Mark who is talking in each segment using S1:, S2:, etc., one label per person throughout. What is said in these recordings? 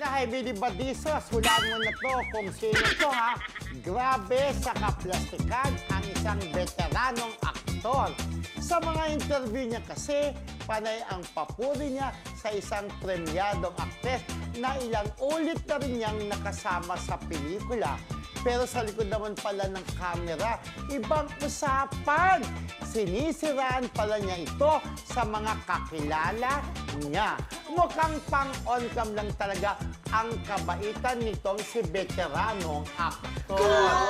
S1: Heidi Badizos, hulaan mo na to kung sino to ha. Grabe sa kaplastikan ang isang veteranong aktor. Sa mga interview niya kasi, panay ang papuri niya sa isang premyadong aktres na ilang ulit na rin niyang nakasama sa pelikula. Pero sa likod naman pala ng camera, ibang usapan. Sinisiraan pala niya ito sa mga kakilala niya. Mukhang pang-on-cam lang talaga ang kabaitan nitong si veteranong aktor.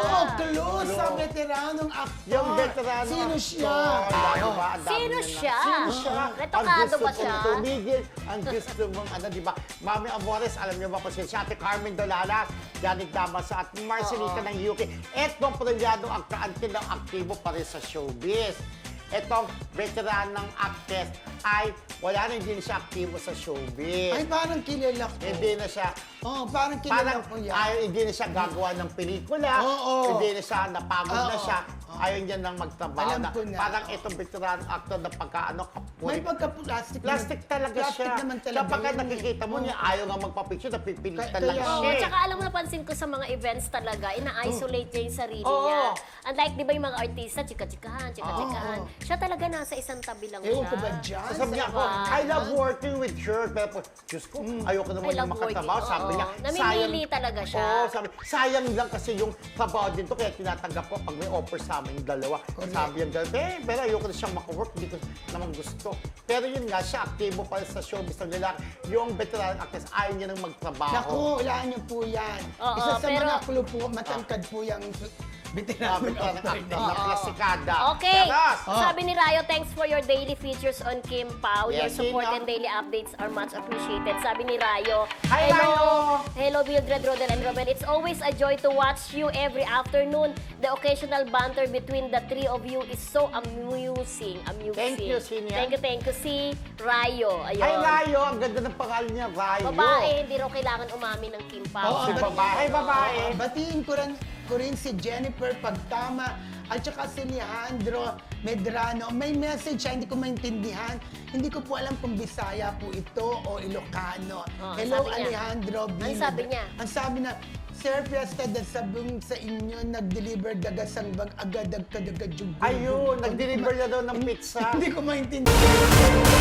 S2: Clue sa veteranong aktor.
S1: Yung veteranong
S2: Sino
S1: aktor.
S2: siya?
S1: Diba? Ang dami
S3: Sino
S1: niya na-
S3: siya?
S1: Sino siya?
S3: Retokado
S1: Ang gusto
S3: ba
S1: kong
S3: siya?
S1: tumigil. Ang gusto mong, di ba? Mami Amores, alam niyo ba kung sino siya? Ate Carmen Dolalas, Janet Damasa at Marcelita ng UK. Etong premyadong aktor ng aktibo pa rin sa showbiz. Etong veteranong actress ay wala na, hindi na siya aktibo sa showbiz.
S2: Ay, parang kilala ko.
S1: Hindi na siya,
S2: Parang kilala
S1: parang
S2: ko yan.
S1: hindi na siya gagawa ng pelikula.
S2: Oo.
S1: Hindi na siya, napagod na
S2: Oo.
S1: siya. Ayaw niya nang magtrabaho
S2: Alam
S1: na.
S2: ko na.
S1: Parang itong veteran actor na pagkaano,
S2: May pagka-plastic.
S1: plastic talaga
S2: plastic
S1: siya.
S2: naman talaga
S1: Kapag
S2: yun eh.
S1: nakikita mo niya, ayaw nga magpapicture, napipilitan
S2: Kaya-
S1: lang
S2: kaya-
S3: Oo,
S1: siya.
S3: tsaka alam mo, napansin ko sa mga events talaga, ina-isolate niya yung sarili
S1: Oo.
S3: niya. Unlike, di ba yung mga artista, chika-chikahan.
S2: Oo.
S3: Siya talaga nasa isang tabi lang
S2: Ewan
S3: siya.
S2: ko ba dyan?
S1: Sabi niya ako,
S3: Diba?
S1: I love working with her. Pero, Diyos ko, ayoko naman
S3: I love
S1: yung makatrabaho.
S3: working,
S1: Sabi
S3: oo.
S1: niya,
S3: Namimili talaga siya.
S1: Oo, sabi, sayang lang kasi yung trabaho din to. Kaya tinatanggap ko pag may offer sa amin dalawa.
S2: Correct.
S1: Sabi yung gano'n, pero ayoko na siyang makawork. Hindi ko naman gusto. Pero yun nga, siya aktibo pa sa showbiz ng lalaki. Yung veteran actress, ayaw niya nang magtrabaho.
S2: Naku, hulaan niyo po yan.
S3: Oo,
S2: Isa sa
S3: pero-
S2: mga clue po, matangkad po yung veteranong
S1: Veteran
S2: actor
S1: actor
S2: na
S1: na plasikada.
S3: Okay,
S1: Taras!
S3: sabi ni Rayo, thanks for your daily features on Kim Pao. Your
S1: Yes,
S3: support
S1: Sino?
S3: and daily updates are much appreciated. Sabi ni Rayo,
S1: Hi, Rayo!
S3: Hello, Mildred, Rodel, and Robel. It's always a joy to watch you every afternoon. The occasional banter between the three of you is so amusing.
S1: Thank you, Sinia.
S3: Thank you, si Rayo. Ayun.
S1: Ay, Rayo! Ang ganda ng pangalan niya, Rayo.
S3: Babae, hindi raw kailangan umamin ng Kim Pao.
S1: Si babae. Ay, babae.
S2: Batiin ko rin si Jennifer Pagtama at saka si Alejandro Medrano. May message siya, hindi ko maintindihan. Hindi ko po alam kung Bisaya po ito o Ilocano.
S3: Oh,
S2: Hello,
S3: sabi niya.
S2: Alejandro.
S3: Ang sabi niya?
S2: Ang sabi na, Sir Fiesta, sabong sa inyo, nag-deliver dagasang bang agad-agad-agad.
S1: Ayun, nag-deliver na daw ng pizza.
S2: Hindi ko maintindihan.